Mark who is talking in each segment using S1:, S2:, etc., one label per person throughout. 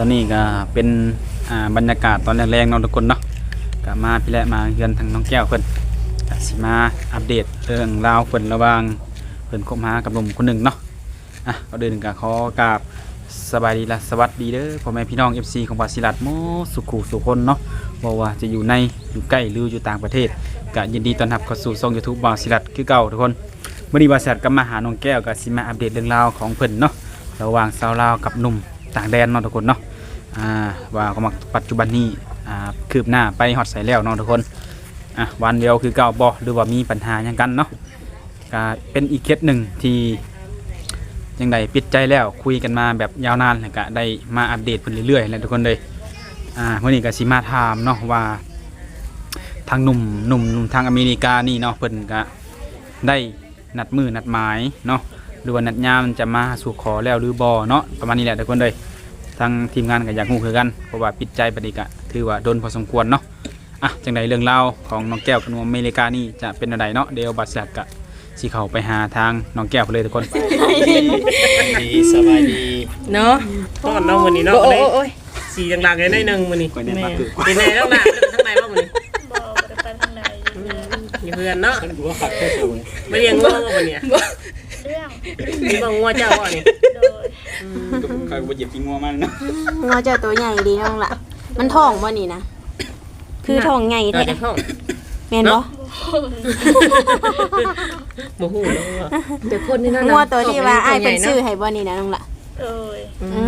S1: อนนี้ก็เป็นบรรยากาศตอนแรกๆเนาะทุกคนเนาะก็มาพี่แหละมาเฮือนทางน้องแก้วเพิ่นก็สิมาอัปเดตเรื่องราวเพิ่นระหว่างเพิ่นคบหากับหนุ่มคนหนึ่งเนาะก็เดินก็ขอกราบสบายดีและสวัสดีเด้อพ่อแม่พี่น้อง FC ของบาสิลัดโมสุขุสุคนเนาะบ่ว่าจะอยู่ในอยู่ใกล้หรืออยู่ต่างประเทศก็ยินดีต้อนรับเข้าสู่ช่อง YouTube บาสิลัดคือเก่าทุกคนมื้อนี้บาสิลัดก็มาหาน้องแก้วก็สิมาอัปเดตเรื่องราวของเพิ่นเนาะระหว่างสาวลาวกับหนุ่มต่างแดนเนาะทุกคนเนาะว่าก็มาปัจจุบันนี้คืบหน้าไปฮอดใส่แล้วเนาะทุกคนวันเดียวคือเก่าบ่หรือว่ามีปัญหาหยังกันเนาะก็เป็นอีกเคสหนึ่งที่ยังได้ปิดใจแล้วคุยกันมาแบบยาวนานแล้วก็ได้มาอัปเดตเพิ่นเรื่อยๆแล้วทุกคนเลยวันนี้ก็สิมาถามเนาะว่าทางหนุ่มทางอเมริกานี่เนาะเพิ่นก็ได้นัดมือนัดหมายเนาะหรือว่านัดยามจะมาสู่ขอแล้วหรือบ่เนาะประมาณนี้แหละทุกคนเลยทางทีมงานก็อยากรู้คือกันเพราะว่าปิดใจปฏิกะถือว่าโดนพอสมควรเนาะจังใดเรื่องเล่าของน้องแก้วกับหนุ่มอเมริกานี่จะเป็นอะไรเนาะเดี๋ยวบัดสักกะสิเข้าไปหาทางน้องแก้วเลยทุกคน
S2: สบายดี
S3: เนาะ
S2: ต้อนน้องวันนี้เนาะสีดังๆเลยได้นึงวันนี้เป็นไงต้องหนาทั้งในบ้างวันนี้
S4: บ่ได้ไปทางใด
S2: มีเพื่อนเนาะไม่เลี้ยงงัววันนี้
S4: เรื่อง
S2: มีบางงัวเจ้าบ่นี่
S4: โดย
S1: ใครบ่เหยียบกินงัวมันเนาะ
S3: งัวเจ้าตัวใหญ่ดีน้องล่ะมันท้องบ่นี่นะคือท้องใหญ่แท้แม่นบ่
S2: บ่ฮู้เนาะ
S3: เดี๋ยวคนนี่เนาะงัวตัวที่ว่าอ้ายเพิ่นซื้อให้บ่นี่นะน้องล่ะ
S4: โดย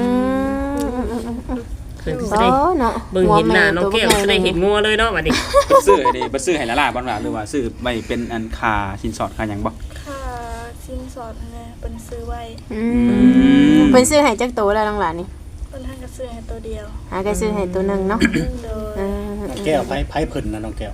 S3: เนาะ
S2: เบิ่งเห็นหน้าน้องแก้วได้เห็นงัวเลยเนาะบัดนี้
S1: ซื้อให้ล่ะบ่ว่าหรือว่าซื้อไว้เป็นอันค่าสินสอดค่าหยังบ่
S4: ค่าสินสอดนะเพิ่นซื้อไว้
S3: เพิ่นซื้อให้จักโตแล้วน้องล่ะนี่
S4: เพิ่นก็ซื้อให้ตัวเดียว
S3: ก็ซื้อให้ตัวนึงเนาะ
S4: โดย
S2: น้องแก้วไผเพิ่นนะน้องแก้ว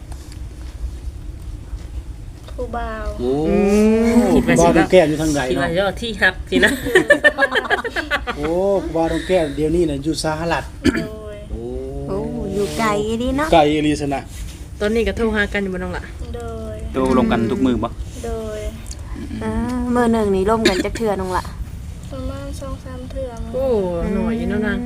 S4: ผู้บ่าว
S2: โอ้บ่น้องแก้วอยู่ทางใดเนาะที่ฮักสินะโอ้บ่น้องแก้วเดี๋ยวนี้น่ะอยู่สหรัฐ
S4: โอ้
S3: อยู่ไกลดิเนาะ
S2: ไกลอีหลีซะนะ
S5: ตอนนี้ก็โทรหากันอยู่บ่น้องล่ะ
S4: โดย
S1: โทรลงกันทุกมื้อบ่
S4: โดย
S3: มื้อนึงนี่ร่วมกันจักเทื่อน้องล่ะ
S4: ประมาณ 2-3 เทื่อ
S5: โอ้หน่อยอยู่เนาะนาง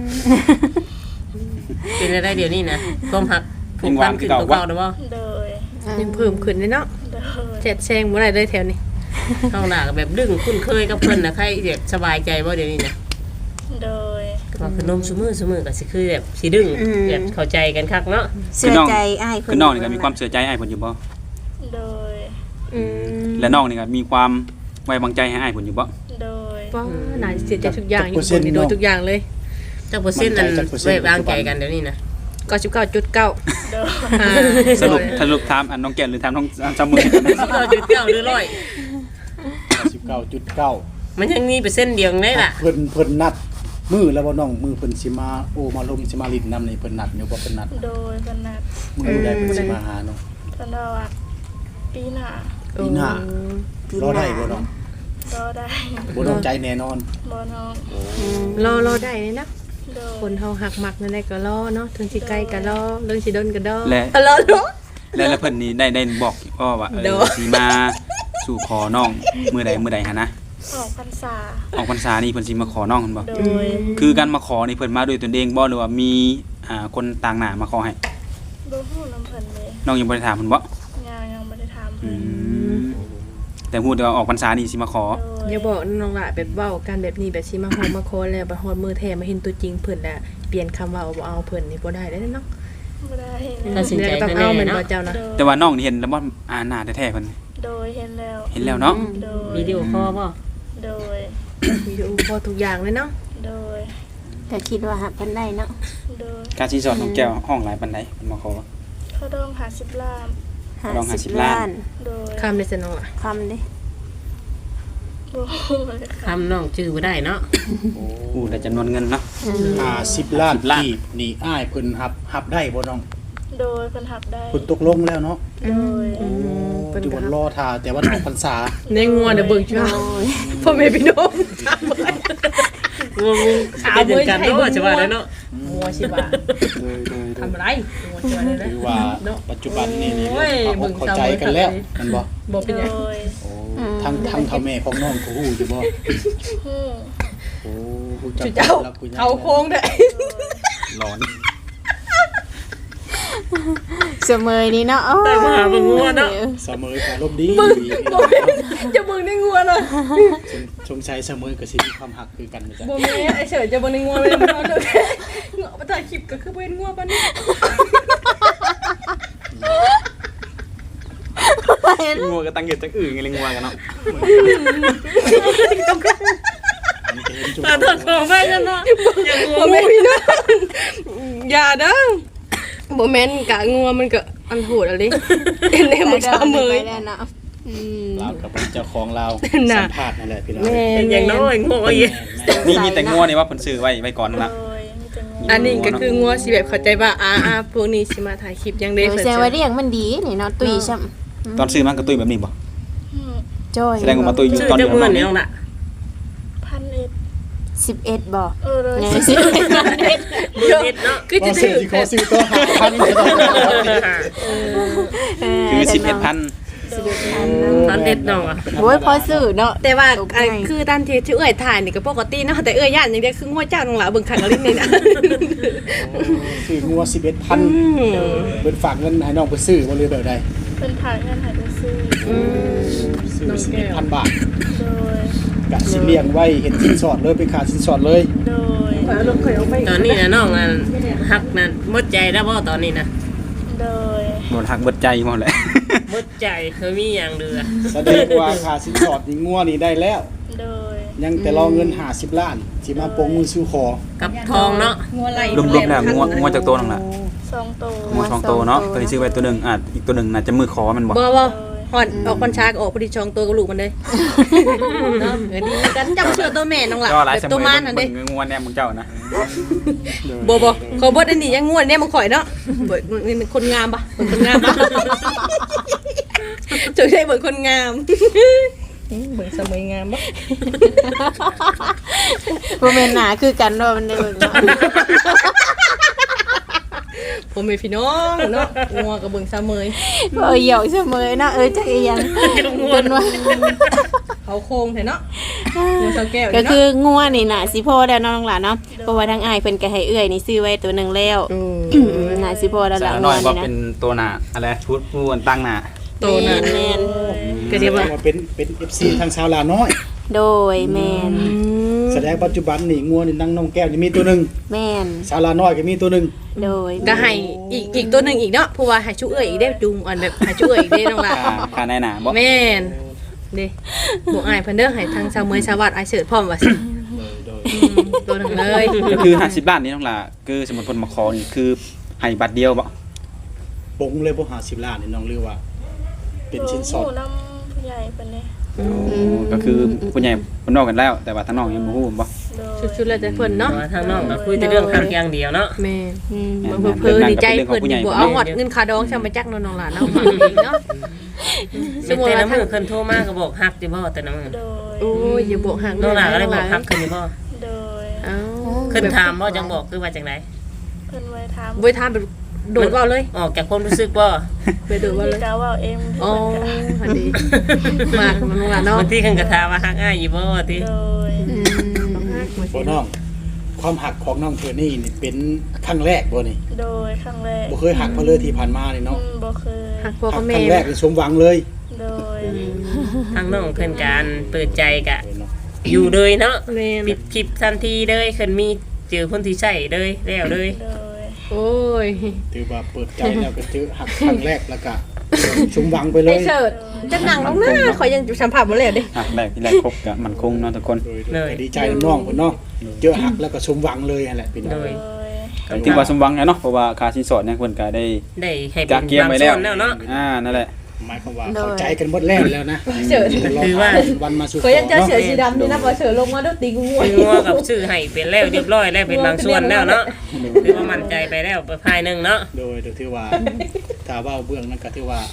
S2: เป็นได้เดี๋ยวนี้นะความฮักผูกพันขึ้นตัวเก่าเด้อบ่
S4: โดย
S5: ยังเพิ่มขึ้นเลยเนาะแจ็ดแซงบ่ได้เลยแถวนี้
S2: เฮาหน้าก็แบบดึงคุ้นเคยกับเพิ่นน่ะใครแบบสบายใจบ่เดี๋ยวนี้นะ
S4: โดย
S2: ว่าขนมซุมื้อก็สิคือแบบสิดึงแบบเข้าใจกันคักเนาะ
S3: เชื่อใจอ้ายเพิ่น
S1: คือน้องนี่ก็มีความเชื่อใจอ้ายเพิ่นอยู่บ่
S4: โดย
S1: และน้องนี่ก็มีความไว้วางใจให้อ้ายเพิ่นอยู่บ่
S4: โดย
S5: ว่าน่าเสียใจทุกอย่างอยู่คนนี่โดนทุกอย่างเลย
S2: จักเปอร์เซ็นต์นั้นไว้วางใจกันเดี๋ยวนี้นะ
S5: 99.9
S4: โดย
S1: สรุปถามอันน้องแก้วหรือถามน้องจำมือ
S2: 99.9หรือ
S6: 99.9
S2: มันยังมีเปอร์เซ็นต์เดียวได้ล่ะ
S6: เพิ่นนัดมือแล้วบ่น้องมือเพิ่นสิมาโอ้มาลมสิมาลิ้นนำนี่เพิ่นนัดอยู่บ่เพิ่นนัด
S4: โดยเพิ่นนัด
S6: มื้อใดเพิ่นสิมาหาน้อง
S4: เพิ่นว่าปีหน้
S6: ารอได้บ่น้อง
S4: รอได้
S6: บ่น้องใจแน่นอน
S4: บ่น้อง
S5: รอได้เลยนะคนเฮาหักมักนั่นได้ก็รอเนาะถึงสิไกลก็รอเรื่องสิดนก็รอ
S1: รอแล้วเพิ่นนี่ได้บอกว่าสิมาสู่ขอน้องมื้อใดหั่นนะ
S4: ออกพรรษา
S1: นี่เพิ่นสิมาขอน้องเพิ่นบ่
S4: โดย
S1: คือการมาขอนี่เพิ่นมาด้วยตนเองบ่หรือว่ามีคนต่างหน้ามาขอให้
S4: บ่ฮู้นำเพิ่นเลย
S1: น้องยังบ่ได้ถามเพิ่นบ่
S4: ยังบ่ได้ถามเพิ่น
S1: แต่ฮู้แต่ว่าออกพรรษานี่สิมาขอ
S5: อย่าบอกน้องล่ะแบบเว้ากันแบบนี้แบบสิมาฮอดมาขอแล้วบัดฮอดมื้อแท้มาเห็นตัวจริงเพิ่นแล้วเปลี่ยนคำว่าบ่เอาเพิ่นนี่บ่ได้เนาะ
S4: บ่ได้
S2: ตัดสินใจ
S5: ต้องเอาแม่นบ่เจ้านะ
S1: แต่ว่าน้องนี่เห็นแล้วบ่หน้าแท้ๆเพิ่น
S4: โดยเห็น
S1: แล้วเนาะ
S2: วิดีโอคอลบ่
S4: โดย
S5: วิดีโอคอลทุกอย่างเลยเนาะ
S4: โดย
S3: ก็คิดว่าหาเพิ่นได้เนาะ
S4: โดย
S1: การสิสอนน้องแก้วห้องหลายปานใดเพิ่นมาขอ
S4: เขาดอง50 ล้าน
S1: 50 ล้าน
S4: โดย
S5: คำได้ซะน้องล่ะ
S3: คำเด้
S2: คำน้องชื่อบ่ได้เนาะ
S1: ได้จำนวนเงินเนาะ
S6: 50 ล้านกีบนี่อ้ายเพิ่นรับได้บ่น้อง
S4: โดยเพิ่นรับได้
S6: เพิ่นตกลงแล้วเนาะ
S4: โดย
S6: เพิ่นรอท่าแต่ว่าออกพรรษา
S5: ในงัวเดี๋ยวเบิ่งช่วยพ่อแม่พี่น้อง
S2: งัวขาเดียวกันเนาะสิว่าได้เนาะ
S5: งัวสิว่าทำอะไรงัวสิว่าได้
S6: คือว่าปัจจุบันนี่เข้าใจกันแล้วมันบ่
S5: เป็นหยัง
S6: ทั้งเฒ่าแม่ของน้องก็ฮู้อยู่บ่
S4: ฮู้
S6: โอ้ฮู้จัก
S5: เจ้าเขาโค้งได้
S1: ร้อน
S3: เสมอนี่เนาะโอ้ย
S5: แต่มาหาเบิ่งงัวเนาะ
S6: เสมอก็ลมดี
S5: จะเบิ่งในงัวน่ะ
S6: ชงชัยเสมอก็สิมีความหักคือกันนะจ๊ะ
S5: บ่แม่นไอ้เฉิดจะเบิ่งในงัวเลยมันเอาเด้อเงาะมาถ่ายคลิปก็คือบ่เห็นงัวปานนี้
S1: งัวก็ตั้งเหตุจังอื่นไงเลยงัวกันเนาะ
S5: ตาถอดของไปกันเนาะอย่างงัวแม่นเนาะอย่าเด้อบ่แม่นกะงัวมันก็อันโหดอะไรเอ็นแน่มันเสมอ
S3: ไปแล้วเนาะ
S6: ลาวกับเจ้าของลาว
S5: น่ะ
S6: สัมภาษณ์นั่นแหละพี่น้อง
S5: แม่นอย่างน้อยงัวอี
S1: นี่มีแต่งัวนี่ว่าเพิ่นซื้อไว้ก่อน
S4: โด
S1: ละ
S4: ยมีแต่งู
S5: อันนี้ก็คืองัวสิแบบเข้าใจว่าพวกนี้สิมาถ่ายคลิปยังได้
S3: เดี๋ยวแซวว่าเรียกมันดีนี่เนาะตุ้ยช่ำ
S1: ตอนซื้อมันก็ตุ้ยแบบนี้บ่
S4: อืม
S3: จ้อย
S1: แสดงว่ามาตุ้ยอยู่
S5: ชื่อ
S1: ตอน
S5: จะ
S1: อยู่
S5: เหมือน
S1: เนาะ
S5: นี่น้องล่ะ
S4: 1,000
S3: 11บ่
S4: เลย
S3: เนี่ย
S4: สิ
S5: เยอะเนาะคือ
S6: ก็
S5: จะ
S6: ซื้อที่ขอซื้อตัวหาพันเลย
S1: คือ11,000
S5: ตอนเด็ดน้องอ่ะ
S3: โอ้ยพอซื้อเนาะ
S5: แต่ว่า
S3: ตกใจ
S5: คือตอนที่เอื้อยถ่ายนี่ก็ปกติเนาะแต่เอื้อยย่านอย่างเดียวคืองัวเจ้าน้องล่ะเบิ่งขันลิ้นนี่นะ
S6: ซื้องัว11,000เพิ่นฝากเงินให้น้องไปซื้อบ่เลยแบบใด
S4: เป็นผ่านเงินหายไปซื้อ
S6: ซื้อ11,000 บาท
S4: โดย
S6: กะสิเลี้ยงไว้เห็นสินสอดเลยไปขาดสินสอดเลย
S4: โดย
S5: ตอนนี้นะน้องฮักนั่นหมดใจแล้วบ่ตอนนี้นะ
S4: โดย
S1: หมดหักเบิดใจหมดแหละ
S5: หมดใจคือมีอย่างเดือ
S6: แสดงว่าขาดสินสอดนี่งัวนี่ได้แล้ว
S4: โดย
S6: ยังแต่รอเงิน50ล้านสิมาปลงมือสู่ขอ
S5: กับทองเนาะ
S1: รวมๆแล้วงัวจากตัวนึงล่ะ
S4: 2 โตว
S1: งัว2ตัวเนาะตัวที่ซื้อไว้ตัวหนึงอาจอีกตัวหนึงน่าจะมือขอมันบ่
S5: บ่ฮอดออกคอนชากออกพอดีชองตัวกับลูกมันเลยเนาะดีกันจำเชื่อตัวแม่น้องล่ะ
S1: ก็หลาย
S5: แบบ
S1: สมั
S5: ตัวย มันนั่นเด้
S1: เบิ่งงัวแน่มึงเจ้านะ
S5: บ่ขอบดอันนี้ยังงวดเนี่ยมันข่อยเนาะบ่นี่มันคนงามปะคนงามปะจุดได้เบิ่งคนงามเบิ่งสมัยงามปะ
S3: บ่แม่นหนาคือกันว่ามันได้เบิ่งเนาะ
S5: ผมเป็นพี่น้องเนาะงัวกับเบิ่งเสมย
S3: เหยาะเสมอเนาะจักอีหยังจนว่า
S5: เขาโค้งแท้เนาะงัวเสาแก้ว
S3: ก็คืองัวนี่น่ะสิพอแล้วเนาะน้องหลานเนาะเพราะว่าทางอ้ายเพิ่นก็ให้เอื้อยนี่ซื้อไว้ตัวหนึงแล้วน่ะสิพอแล้วล่ะ
S1: สาว
S3: งั
S1: น้
S3: ว
S1: อยบ่
S3: นี่นะ
S1: เป็นตัวหน้าอะไรชุดผู้ตั้งหน้า
S5: โตน่ะ
S3: แม่น
S5: ก็เดี๋ยวว่า
S6: เป็น FC ทางชาวลาวน้อย
S3: โดยแม่น
S6: แสดงปัจจุบันนี่งัวนี่นั่งน้องแก้วนี่มีตัวหนึง
S3: แม่น
S6: ชาวลาวน้อยก็มีตัวหนึง
S3: โดย
S5: ก็ให้อีกตัวหนึงอีกเนาะเพราะว่าให้ชุเอ้ยอีกได้จุงอันแบบให้ชุเอ้ยอีกได้น้องล่ะ
S1: ค่าในหน้าบ่
S5: แม่นเด้บ่อายเพิ่นเด้อให้ทางชาวเมยชาววัดอายเสิร์ชพร้อมว่าสิตัวหนึงเลย
S1: ก็คือ50ล้านนี่น้องล่ะคือสมมุติเพิ่นมาขอนี่คือให้บัตรเดียวบ่
S6: ปงเลยบ่50ล้านนี่น้องเรียกว่า เป็นชิ้นสอด
S4: หมู่น้ำผู้ใหญ่เป็นเนี่ย
S1: ก็คือผู้ใหญ่เพิ่นนอกกันแล้ว แต่ว่าทางน้องยังบ่ฮู้บ่
S4: โดย
S5: ชุดๆแล้วแต่เพิ่นเนาะ
S7: ทางน้องก็คุยแต่เรื่องหักอย่างเดียวเนาะ
S5: แม่
S3: อืม
S5: มันเพิ่นดีใจเพิ่นบ่เอาหอดเงินค่าดองช่างมาจักน้องๆล่ะเนาะเนาะ
S7: เป็นแต่ละมื้อเพิ่นโทรมาก็บอกหักอยู่บ่แต่ละมื้อ
S4: โดย
S5: โอ้ยอย่าบอกห่าง
S7: น้องหลาก็เลยบอกหักขึ้นอยู่บ่
S4: โดย
S5: เอ้า
S7: ขึ้นถามบ่จังบอกคือว่าจังได๋
S4: เพิ่นไว้ถาม
S5: บ่ถามแบบโดดเว้าเลย
S7: ออกจากความรู้สึกบ่
S5: ไปโดดเว้าเลย
S4: กาว่าเอ็ม
S5: อ๋ออันดีมากมันว่าเนาะ
S7: บางทีเพิ่นก็ถามว่าหักอ้ายอยู่บ่ติ
S4: โดย
S6: บ่น้อง ความหักของน้องเธอนี่นี่เป็นครั้งแรกบ่นี่
S4: โดยครั้งแรก
S6: บ่เคยหักมาเลยที่ผ่านมานี่เนาะ
S4: บ่เคย
S5: หักพ่อ
S6: หั
S5: กับ
S6: ค
S5: แม่
S6: รั้งแรกนี่สมหวังเลย
S4: โดย
S7: ทางน้องเพิ่นการเปิดใจก็อยู่เลยเนาะ
S5: แม่น
S7: ปิดคลิปทันทีเลยเพิ่นมีเจอคนที่ใช่เลยแล้วเลย
S4: โดย
S5: โอ้ย
S6: ถือว่าเปิดใจแล้วก็ถือหักครั้งแรกแล้วก็สมหวังไปเล
S5: ไอ้
S6: ย
S5: เสิร์ชจะนั่งลงหน้าข่อยยังสัมผัสบ่แล้วเด้
S1: หักแรกที่แรกครบก็มั่นคงเนาะทุกคน
S6: โดยดีใจน้องเพิ่นเนาะเจอหักแล้วก็สมหวังเลยนั่นแหละพี่น้อง
S4: โดย
S1: ก็ถือว่าสมหวังแล้วเนาะเพราะว่าค่าสินสอดเนี่ยเพิ่นก็ได้
S7: ได้ให้
S1: จา
S7: เป็
S1: ก
S7: น
S1: เกียร์
S7: บาง
S1: ไว้
S7: ส่
S1: แล้ว
S7: วนแล้วเนาะ
S1: นั่นแหละ
S6: หมายความว่าเข้าใจกันหมดแล้วนะ
S5: เสิร์ช
S7: คือว่า
S6: วันมาสู่ข
S5: ข่อยยังเจอ
S6: เนาะ
S5: เสือสีดำนี่นะบ่เสือลงมาด้วยตีงู
S7: คืองัวกับชื่อให้เป็นแล้วเรียบร้อยแล้วเป็นบางส่วนแล้วเนาะคือว่ามั่นใจไปแล้วไปภายหนึงเนาะ
S6: โดยถือว่าถ้าว่าเบื้องนั้นก็ถือว่า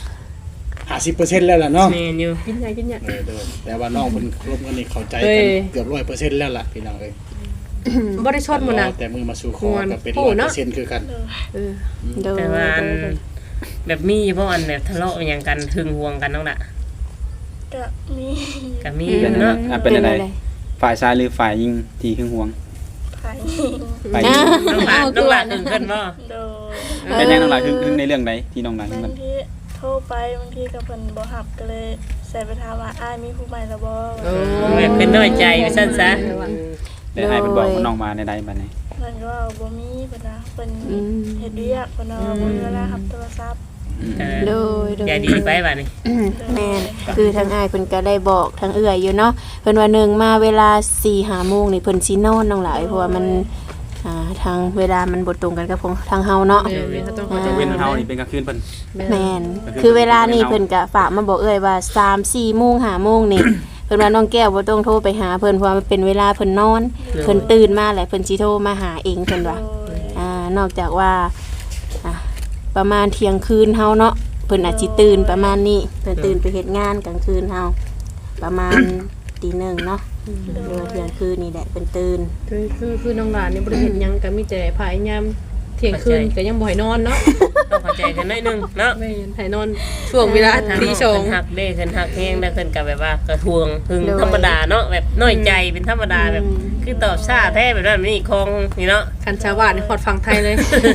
S6: 50%แล้วล่ะเนาะ
S7: แม่นอยู่
S5: กินใหญ่กินใหญ่
S6: โดยแต่ว่าน้องเพิ่นครบกันนี่เข้าใจ
S5: เอ้
S6: กัน
S5: ย
S6: เกือบ100%แล้วล่ะพี่น้องเอ้ย
S5: บ่ได้ชดหมดนะ
S6: แต่มือมาสู่ขอก็เป็น
S5: โอ้เนาะ
S6: 100%คือกัน
S5: เออ
S3: โดย
S7: แต่ว่าอันแบบมีบ่อันแบบทะเลาะอหย่างกันหึงหวงกันน้องน่ะ
S4: ก็มี
S7: ก็มีอยู่เนาะ
S1: เป็นอะไรฝ่ายชายหรือฝ่ายหญิงที่หึงหวง
S4: พาย
S1: ไป
S7: น้องหลานถึงขึ้นบ่
S4: โดย
S1: เป็นยังน้องหลายคือในเรื่องใดที่น้องหลาย
S4: บา
S1: มัน
S4: งทีโทรไปบางทีกับเพิ่นบ่รับก็เลยใส่ไปถามว่าอ้ายมีผู้ใหม่แล้วบ่
S7: แบบเป็นน้อยใจไปซั่นซะ
S1: ได้ให้เพิ่นบอกว่าน้องมาในใดบัดนี้
S4: เพิ่นก็ว่าบ่มีเพิ่นว่าเพิ่นเฮ็ดเวียกเพิ่นว่าบ่มีเวลารับโทรศัพท์
S3: โดย
S7: ใจดีไปบัดนี้
S3: แม่นคือทางอ้ายเพิ่นก็ได้บอกทางเอื้อยอยู่เนาะเพิ่นว่า1มาเวลา 4-5 โมงนี่เพิ่นสินอนน้องหลายเพราะว่ามันทางเวลามันบ่ตรงกันกับของทางเฮาเนาะ
S1: จะเว้นเฮานี่เป็นกลางคืนเพิ่น
S3: แม่นคือเวลานี้เพิ่นก็ฝากมาบอกเอื้อยว่า 3-4 โมง 5 โมงนี่ เพิ่นว่าน้องแก้วบ่ต้องโทรไปหาเพิ่นเพราะว่ามันเป็นเวลาเพิ่นนอนเพิ่นตื่นมาแล้วเพิ่นสิโทรมาหาเองเพิ่นว่า นอกจากว่าประมาณเที่ยงคืนเฮาเนาะเพิ่นอาจสิตื่นประมาณนี้เพิ่นตื่นไปเฮ็ดงานกลางคืนเฮาประมาณ ตี 1เนาะหรือว่าเที่ยงคืนนี่แหละเพิ่นตื่น
S5: คือน้องหลานนี่บ่ได้เฮ็ดหยังก็มีแต่พายามเที่ยงคืนก็ยังบ่ให้นอนเนาะ
S7: ต้องเข้าใจกันหน่อยนึงเนาะ
S5: แม่นให้นอนช่วงเวลาตีสอง
S7: เพิ่นหักเด้เพิ่นหักแฮงแล้วเพิ่นก็แบบว่ากระทวงหึงธรรมดาเนาะแบบน้อยใจเป็นธรรมดาแบบคือตอบช้าแท้แบบนั้นนี่คงนี่เนาะ
S5: คันชาวบ้านนี่ฮอดฟังไทยเลย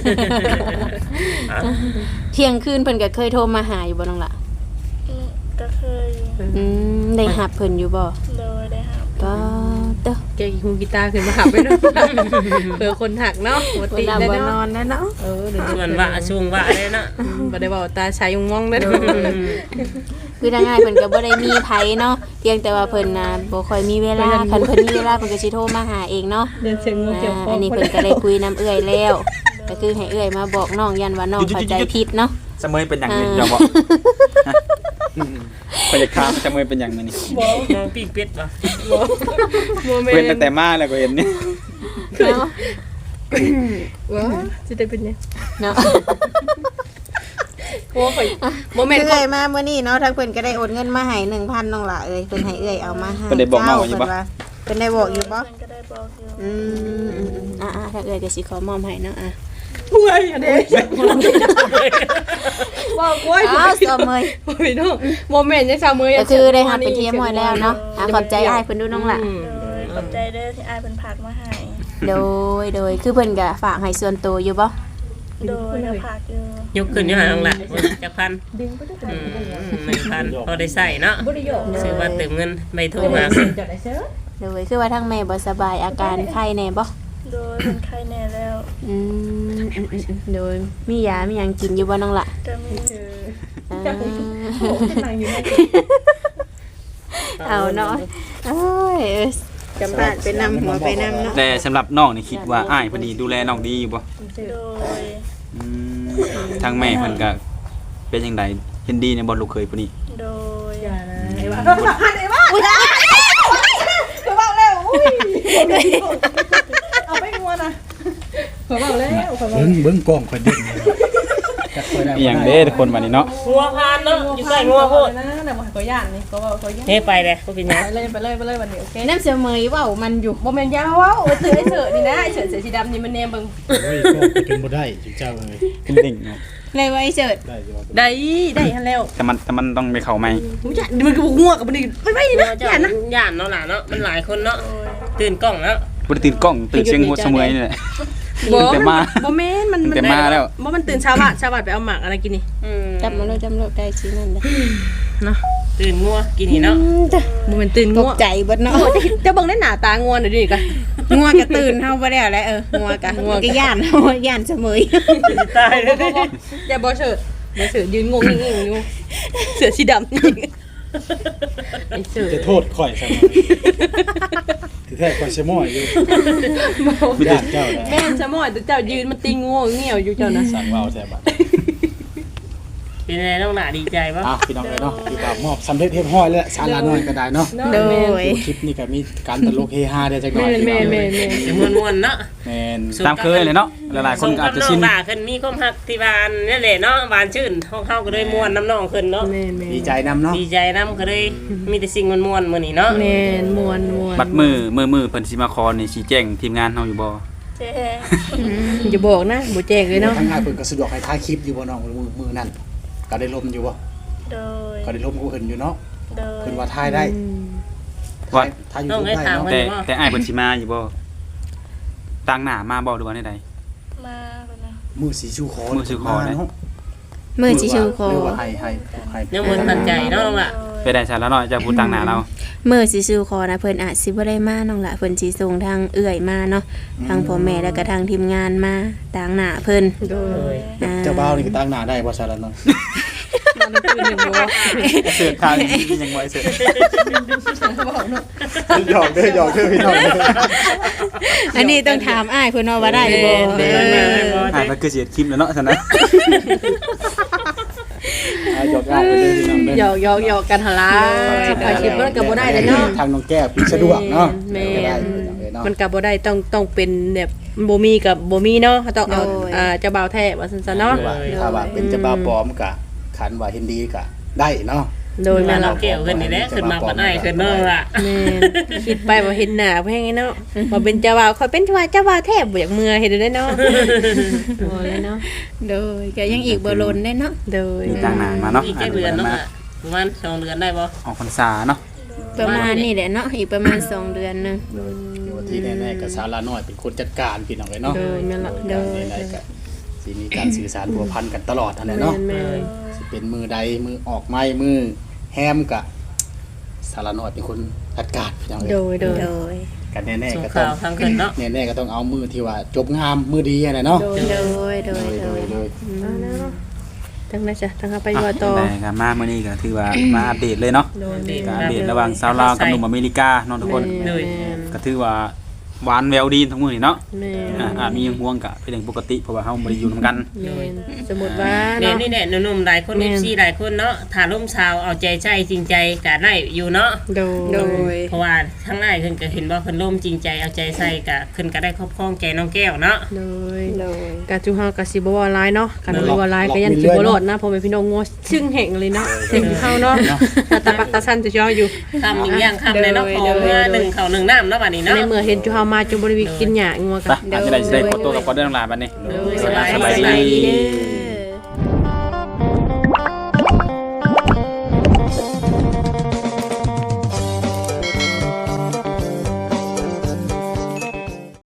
S3: เที่ยงคืนเพิ่นก็เคยโทรมาหาอยู่บ่น้องล่ะ
S4: ก็เคยอยู่
S3: ได้รับเพิ่นอยู่บ่
S4: โดยได้รับ
S3: ก็เด้อ
S5: แกกีฮูกีตาร์ขึ้นมาหักไปเนาะเผื่อคนหักเนาะปกติ
S3: เวลา
S5: ได้
S3: บ่นอ
S5: เนาะ
S3: นแล้วเนาะ
S5: เดี๋ยว
S7: ส่วนว่าช่วงว่าได้เนาะ
S5: บ่ได้บอกตาชายยงมองเด้อ
S3: คือทางง่ายเพิ่นก็บ่ได้มีไผเนาะเพียงแต่ว่าเพิ่นน่ะบ่ค่อยมีเวลาคันเพิ่นมีเวลาเพิ่นก็สิโทรมาหาเองเนาะ
S5: เดินเสียงงูเกี่ยวคอ
S3: อันนี้เพิ่นก็ได้คุยน้ำเอื้อยแล้ว ก็คือให้เอื้อยมาบอกน้องยันว่าน้องเข้าใจผิดเนาะ
S1: เสมอเป็นหยังนี่ยอมบ่ไปจะค้ามเสมอเป็นหยังมื้อนี้
S7: น้องปิ้งเป็ดบ่
S5: โมเม
S1: เว้น
S5: น
S1: ตั้ง
S5: ต์
S1: แต่มาแล้วก็เห็นนี่
S3: เนาะ
S5: ว้าสิได้เป็นไง
S3: เนาะ
S5: โอ้ยโมเมนต์
S3: เอื้อยมามื้อนี้เนาะทางเพิ่นก็ได้โอนเงินมาให้ 1,000น้องล่ะเอ้ยเพิ่นให้เอื้อยเอามาให้เพิ่นได้บอกอยู่บ่เพิ่นได้บอกอยู่บ่
S4: เพิ่นก็ได้บอกอยู่
S3: ถ้าเอื้อยก็สิขอมอบให้เนาะ
S5: ป่วยอันนี้บอกป่วย
S3: อ้าวเสมย
S5: พี่น้องโมเมนต์ยังชาวมือ
S3: ก็คือได้รับไปเที่ยวหมดแล้วเนาะขอบใจอ้ายเพิ่นดูน้องล่ะ
S4: โดยขอบใจเด้อที่อ้ายเพิ่นผากมาให้
S3: โดยคือเพิ่นก็ฝากให้ส่วนตัวอยู่บ่
S4: โดยก็ผากอยู่
S7: ยกขึ้นอยู่หาน้องละจักพัน1,000พอได้ใส่เนาะซื้อว่าเติมเงินไม่โทรมา
S3: โดยคือว่าทั้งแม่บ่สบายอาการไข้แน่บ่
S4: โดยเป็นไข้แน่แล้ว
S3: โดยมียามีหยังกินอยู่บ่น้องล่ะ
S4: ก็มี
S3: เอาเนาะโอ้ยจำบาดไปนำหัวไปนำเนาะ
S1: แต่สำหรับน้องนี่คิดว่าอ้ายเพิ่นนี่ดูแลน้องดีอยู่บ่
S4: โดย
S1: ทางแม่เพิ่นก็เป็นจังไดเห็นดีในบ่ลูกเคยผู้นี้
S4: โดย
S6: เบิ่งกล้องค่อยเด่นจักค่อยได้
S1: อีหยังเด้ทุกคนวันนี้เนาะ
S7: งัวพานเนาะอยู่ใกล้งัวโพด
S5: นะแต่บ่ก็ย่านนี่ก็ว่าก็ย่าน
S7: เฮ้ไปเลยบ่เป็นหยัง
S5: ไปเลยวันนี้โอเค
S3: น้ำเสมยเว้ามันอยู่
S5: โมเมนต์ยาวว้าวเสือไอ้เสือนี่นะไอ้เสือสีดำนี่มันแนมเบิ่ง
S6: โอ้ยก็เป็นบ่ได้จุเจ้าเอ้ย
S1: เป็นดิ่งเนาะ
S3: เลยไว้เสิร์ช
S6: ได้อยู่ว่า
S5: ได้ฮันแล้ว
S1: แต่มันต้องไปเข้าใหม่
S5: มันก็ง่วงกับมันนี่ไม่นะ
S7: เจ้าย่านเนาะล่ะเนาะมันหลายคนเนาะตื่นกล้องแล้ว
S1: บ่ได้ตื่นกล้องตื่นเสียงหัวเสมอนี่แหละ แต่มา
S5: โมเมนต์มัน
S1: แต่มาแล้ว
S5: มันตื่นเช้าบ่ายไปเอาหมากอะไรกินนี่
S3: จำโลได้สินั่นเด้อ
S5: เนาะ
S7: ตื่นงัวกินนี่เนาะ
S5: โมเมนต์ตื่น
S3: ต
S5: ง่
S3: ก
S5: วง
S3: ใจเบิดเนาะ
S5: จะบังได้หนาตาง่วงหน่อยดิกัน
S3: งัวก็ตื่นเฮาบ่ได้แล้วงัวก็ย่านเฮาย่านเสมย
S7: ตายเลย
S5: อย่าบอเฉิดยืนงงงิ่งอยู่เสือสีดำนี่ไอ้เสือ
S6: จะโทษข่อยซะที่แท้ข่อยสิม้อยอยู่ญาติเจ้านะ
S5: แม่นสมอยแต่เจ้ายืนมันตีง่วงเงี่ยวอยู่เจ้านะ
S6: สั่งเว้าแท้บัด
S7: เป็นไงน้องหล่ะดีใจป่ะ
S6: พี่น้องเอ้ยเนาะที่ว่ามอบสำเร็จเรียบร้อยแล้วสาระน้อยก็ได้เนาะ
S3: โดย
S6: คลิปนี้ก็มีการตลกเฮฮาได้จักหน่อย
S5: แม่
S7: เดี๋ยวม่วนๆเนาะ
S6: แม่น
S1: ตามเคยเลยเนาะหลายๆคนก็อาจจะชิน
S7: น้องหล่ะขึ้นมีความฮักที่บ้านนี่แหละเนาะบ้านชื่นห้องเฮาก็เลยม่วนน้ำน้องขึ้นเนาะ
S6: ดีใจนำเนาะ
S7: ดีใจน้ำก็เลยมีแต่สิ่งม่วนๆมื้อนี้เนาะ
S5: แม่นมวน
S1: บัดมือเพิ่นสิมาขอนี่ชี้แจงทีมงานเฮาอยู่บ่
S4: เจ๊
S5: อย่าบอกนะบ่แจกเลยเนาะ
S6: ทางงานเพิ่นก็สะดวกให้ถ่ายคลิปอยู่บ่น้องมือนั่นก็ได้ลมอยู่บ่
S4: โดย
S6: ก็ได้ลมกูเห็นอยู่เนาะ
S4: โดย
S6: เพิ่นว่าถ่ายได้
S1: ว่า
S6: ถ่ายอยู่
S7: น้อง
S6: ได้
S7: ให้ถาม
S6: เนาะ
S7: เพิ่น
S1: แต่อ้ายเพิ่นสิมาอยู่บ่ตต่างหน้ามาบ่หรือว่าใด
S4: มาคนนะ
S6: มือสีชูคอ
S1: มือชูคอเนี่ย
S6: เนาะ
S3: มื้อสิชูคอ
S6: หรือว่าให้
S7: ยังบ่ตัดใจเนาะน้องล่ะ
S1: ไปได้ชาแล้วเนาะจะพูดต่างหน้าเรา
S3: มื้อสิชูคอนะเพิ่นอาจสิบ่ได้มาน้องละเพิ่นสิส่งทางเอื้อยมาเนาะทางพ่อแม่แล้วก็ทางทีมงานมาต่างหน้าเพิ่น
S5: โดย
S6: เจ้าบ่าวนี่ก็ตั้งหน้าได้บ่ซะแล้วเนาะ
S5: มันคือหนึ่งบ่
S1: เสือกทางยังไว้เสือก
S6: หยอกเด้อหยอกเด้อพี่น้องเด้อ
S3: อันนี้ต้องถามอ้ายเพิ่นว่าได้บ่
S1: ก็คือเสียคลิปแล้วเนาะซั่นนะ
S6: หยอกง่ายไปเด้อพี่น้องเด้อ
S5: หยอกกันหนล่ะไปคิดมันก็บ่ได้เลยเนาะ
S6: ทางน้องแก้วพี่สะดวกเนาะ
S5: แม่
S6: ก็ได้พี่น้องเด้อเนาะ
S5: มันก็บ่ได้ต้องเป็นแบบบ่มีกับบ่มีเนาะต้องเอาเจ้าบ่าวแท้ว่าซั่นซะเนาะ
S6: ถ้าว่าเป็นเจ้าบ่าวปลอมก็ขันว่าเห็นดีก็ได้เนาะ
S5: โดย
S7: มา
S5: แม่
S7: เรา
S5: เรา
S7: เกี่ยวขึ้นนี่แหละขึ้นมาบ่ได้ขึ้นน้องล่ะ
S5: แม่คิดไปบ่เห็นหน้าเพิ่นไงเนาะบ่เป็นเจ้าบ่าวค่อยเป็นเจ้าบ่าวแท้บ่อยากเมื่อเฮ็ดได้เนาะบ่เลยเนาะ
S3: โดยก็ยังอีกบ่ลนได้เนาะ
S5: โดย
S1: มีต่างหน้ามาเนาะ
S7: อีกแค่เดือนเนาะประมาณ2เดือนได้บ่
S1: ออกพรรษาเนาะ
S3: ประมาณนี้แหละเนาะอีกประมาณ2 เดือนนึง
S6: โดยที่แน่ๆก็สาราน้อยเป็นคนจัดการพี่น้องเอ้ยเนาะ
S5: โดยแม่นละโดย
S6: ในๆก็สิมีการสื่อสารพัวพันกันตลอดนั่นแหละเนาะ
S5: แม่น
S6: สิเป็นมือใดมือออกไม้มือแฮมกะสารน้อยเป็นคนจัดการพี่น้อง
S5: โด
S6: เอ้ย
S5: ยโดย
S3: โดย
S6: กันแน่
S7: ส่ง
S6: ๆก็ต้อ
S7: ข่าง วทางขึ้นเนาะ
S6: แน่ๆก็ต้องเอามือที่ว่าจบงามมือดีอะไรเนาะ
S3: โดยโดยโดย
S6: เลย
S5: ทั้งนั้นจ้ะทั้งไปว่าต่อ
S1: แต่ก็มามื้อนี้ก็ถือว่ามาอัปเดตเลยเนาะ
S5: โดย
S1: การอัปเดตระหว่างสาวลาวกับหนุ่มอเมริกาเนาะทุกคน
S5: แม่น
S1: ก็ถือว่าหวานแววดีทั้งมื้อนี่เนาะ
S5: แม่น
S1: อาจมีห่วงก็เป็นเรื่องปกติเพราะว่าเฮาบ่ได้อยู่นำกัน
S5: แม่นสมมุติว่า
S7: เนี่ย
S5: เนาะ
S7: นี่แหละหนุ่มๆหลายคน FC หลายคนเนาะถ้าร่มชาวเอาใจใส่จริงใจก็ได้อยู่เนาะ
S5: โดย
S7: เพราะว่าทั้งหลายเพิ่นก็เห็นว่าเพิ่นร่มจริงใจเอาใจใส่ก็เพิ่นก็ได้ครอบครองใจน้องแก้วเนาะ
S5: โดย
S3: โดย
S5: กาจูเฮาก็สิบ่ว่าหลายเนาะกันบ่ว่าหลายก็ยันสิบ่รอดนะพ่อแม่พี่น้องงัวชึ่งแห่งเลยเนาะเห็นเฮาเนาะตาปักตาสั้นจะย่ออยู่
S7: คำอีกอย่างคำเลยเนาะขอเมื่อหนึ่งเขาหนึ่งน้ำเนาะบัดนี้เนาะ
S5: ในเมื่อเห็นจูเฮามาจูบ่ได้กินหญ้างัว
S1: ไป
S5: กัน
S1: อาจจะได้ขอตัวกับขอเดินทางลาบัดนี้
S7: สบายดี